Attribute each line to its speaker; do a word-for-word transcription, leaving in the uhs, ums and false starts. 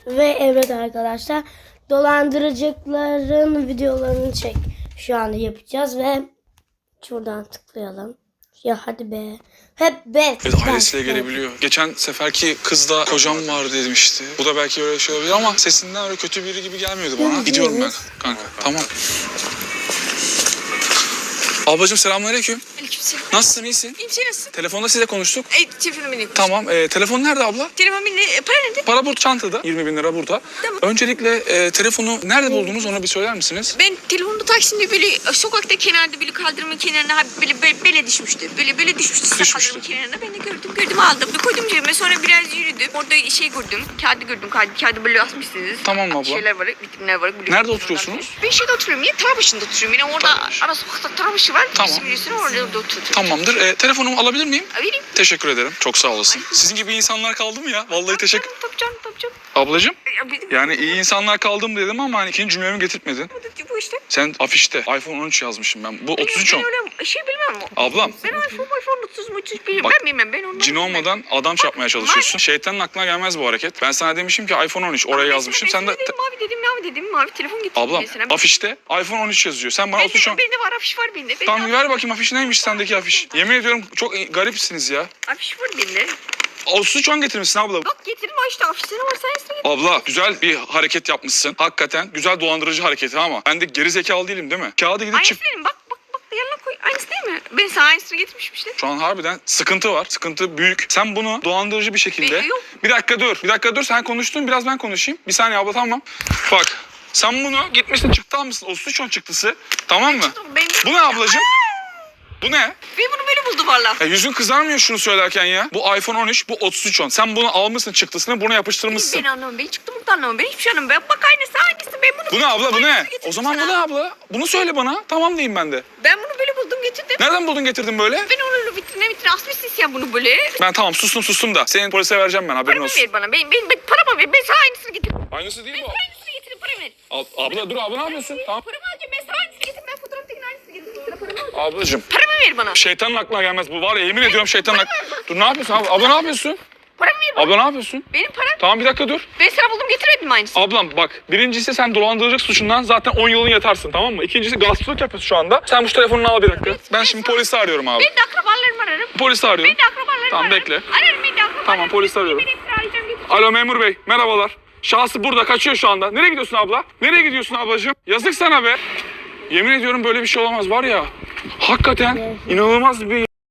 Speaker 1: Ve evet arkadaşlar, dolandırıcıların videolarını çek şu anda yapacağız ve şuradan tıklayalım. Ya hadi be. Hep be.
Speaker 2: Evet, ailesiyle gelebiliyor. Geçen seferki kızda kocam var demişti. Bu da belki öyle şey olabilir ama sesinden öyle kötü biri gibi gelmiyordu bana. Gidiyorum ben kanka. Tamam. Ablacığım selamünaleyküm.
Speaker 3: Aleykümselam.
Speaker 2: Nasılsın, iyisin?
Speaker 3: İyiyim, sen nasılsın?
Speaker 2: Telefonda size konuştuk.
Speaker 3: Ey, telefonu benim.
Speaker 2: Tamam. E, telefon nerede abla?
Speaker 3: Telefon benim. E, para nerede?
Speaker 2: Para burada çantada. yirmi bin lira burada.
Speaker 3: Tamam.
Speaker 2: Öncelikle e, telefonu nerede buldunuz onu bir söyler misiniz?
Speaker 3: Ben telefonu Taksim'de böyle e, sokakta kenarda böyle kaldırımın kenarına ha, böyle, böyle böyle düşmüştü. Böyle böyle düşmüştü.
Speaker 2: Düşmüştü.
Speaker 3: Kaldırımın kenarına ben de gördüm. Gördüm aldım. Bir koydum cebime, sonra biraz yürüdüm. Orada şey gördüm. Kağıdı gördüm. Kağıdı, kağıdı böyle asmışsınız.
Speaker 2: Tamam abla.
Speaker 3: Şeyler var, vitrinler var. Böyle
Speaker 2: Nerede
Speaker 3: oradan-
Speaker 2: oturuyorsunuz?
Speaker 3: Ben şeyde oturuyorum. Yine Tarabaşı'nda oturuyorum. Yine orada
Speaker 2: Tarabaşı.
Speaker 3: ara sokakta Tarabaşı var.
Speaker 2: Tamam.
Speaker 3: Bizim biliyorsun orada, orada oturuyorum.
Speaker 2: Tamamdır. E, telefonumu alabilir miyim?
Speaker 3: Ha, vereyim.
Speaker 2: Teşekkür ederim. Çok sağ olasın. Sizin gibi insanlar kaldı mı ya? Vallahi teşekkür...
Speaker 3: Tabii canım, tabii canım.
Speaker 2: Ablacığım.
Speaker 3: Ya, benim-
Speaker 2: Yani iyi insanlar kaldım dedim ama hani ikinci cümlemi getirtmedin.
Speaker 3: Bu- Bu işte.
Speaker 2: Sen afişte iPhone on üç yazmışım ben. Bu otuz üç
Speaker 3: Ben
Speaker 2: on.
Speaker 3: öyle şey bilmem.
Speaker 2: Ablam.
Speaker 3: Ben iPhone, iPhone otuz mu otuz bir
Speaker 2: Bak,
Speaker 3: ben bilmem. Ben ondan
Speaker 2: Cin
Speaker 3: bilmem.
Speaker 2: olmadan adam çarpmaya çalışıyorsun. Şeytanın aklına gelmez bu hareket. Ben sana demişim ki iPhone on üç oraya
Speaker 3: Ama
Speaker 2: yazmışım.
Speaker 3: ben
Speaker 2: Sen de...
Speaker 3: dedim mavi dedim mavi dedim mavi telefon getirdim.
Speaker 2: Ablam
Speaker 3: mesela.
Speaker 2: afişte iPhone on üç yazıyor. Sen bana
Speaker 3: Ben
Speaker 2: otuz üç on...
Speaker 3: de, bende var afiş var bende. Ben
Speaker 2: Tamam
Speaker 3: de-
Speaker 2: ver bakayım afiş neymiş sendeki afiş. Yemin ediyorum çok garipsiniz ya.
Speaker 3: Afiş var bende.
Speaker 2: otuz üç on getirmişsin abla.
Speaker 3: Bak getirdim işte afişine var sen üstüne getir.
Speaker 2: Abla güzel bir hareket yapmışsın. Hakikaten güzel dolandırıcı hareketi ama ben de geri zekalı değilim değil mi? Kağıdı gidip
Speaker 3: Aynısı
Speaker 2: çift...
Speaker 3: benim bak bak bak yanına koy. Aynısı değil mi? Ben sana aynısını getirmişim işte.
Speaker 2: Şu an harbiden sıkıntı var. Sıkıntı büyük. Sen bunu dolandırıcı bir şekilde...
Speaker 3: Ben- yok.
Speaker 2: Bir dakika dur. Bir dakika dur. Sen konuştun. Biraz ben konuşayım. Bir saniye abla tamam. Bak. Sen bunu gitmişsin çıktı almışsın. otuz üç on çıktısı. Tamam mı?
Speaker 3: Ben,
Speaker 2: Bu ne ablacığım? Bu ne?
Speaker 3: ben bunu böyle buldum valla.
Speaker 2: Ya yüzün kızarmıyor şunu söylerken ya. Bu iPhone on üç, bu otuz üç on. Sen bunu almışsın çıktısını, bunu yapıştırmışsın.
Speaker 3: Ben anlamam. Ben çıktım burada anlamam. Ben hiçbir şey anlamam. Ben bak aynısı aynısı. Ben bunu
Speaker 2: Bu ne abla bu ne?
Speaker 3: aynısını getirdim
Speaker 2: O zaman bu
Speaker 3: sana.
Speaker 2: ne abla? Bunu söyle bana. Tamam diyeyim ben de.
Speaker 3: Ben bunu böyle buldum getirdim.
Speaker 2: Nereden buldun getirdin böyle?
Speaker 3: Ben onu vitrine vitrine asmışsın sen bunu böyle.
Speaker 2: Ben tamam sustum sustum da. Senin polise vereceğim ben haberin
Speaker 3: Paramı
Speaker 2: olsun.
Speaker 3: ver bana. Ben, ben, ben paramı ver. Ben sana aynısını getirdim.
Speaker 2: Aynısı değil
Speaker 3: Ben
Speaker 2: bu.
Speaker 3: sana aynısını getirdim. Paramı ver.
Speaker 2: Ab- abla dur abla ne yapıyorsun? Tamam.
Speaker 3: Paramı alacağım. Ben sana aynısını getirdim. Ben fotoğraftakinin aynısını getirdim. Sana paramı alacağım.
Speaker 2: Ablacığım.
Speaker 3: Paramı ver bana.
Speaker 2: Şeytanın aklına gelmez bu var ya yemin ediyorum şeytanın aklına... Dur ne yapıyorsun abla? Abla ne yapıyorsun?
Speaker 3: Paramı ver bana.
Speaker 2: Abla ne yapıyorsun?
Speaker 3: Benim param.
Speaker 2: Tamam bir dakika dur.
Speaker 3: Ben sana buldum getirmedim aynısını.
Speaker 2: Ablam bak birincisi sen dolandırıcılık suçundan zaten on yılın yatarsın tamam mı? İkincisi gaspçılık yapıyorsun şu anda. Sen bu telefonunu al bir dakika. Ben şimdi polisi arıyorum abi.
Speaker 3: Ben de akrabalarımı ararım.
Speaker 2: Polisi arıyorum.
Speaker 3: Ben de akrabalarımı
Speaker 2: Tamam,
Speaker 3: ararım.
Speaker 2: bekle.
Speaker 3: Ararım ben de akrabalarımı.
Speaker 2: Tamam, polisi arıyorum.
Speaker 3: Ben hepsini arayacağım getireceğim.
Speaker 2: Alo memur bey merhabalar. Şahsı burada kaçıyor şu anda. Nereye gidiyorsun abla? Nereye gidiyorsun ablacığım? Yazık sana be. Yemin ediyorum böyle bir şey olamaz var ya. Hakikaten inanılmaz bir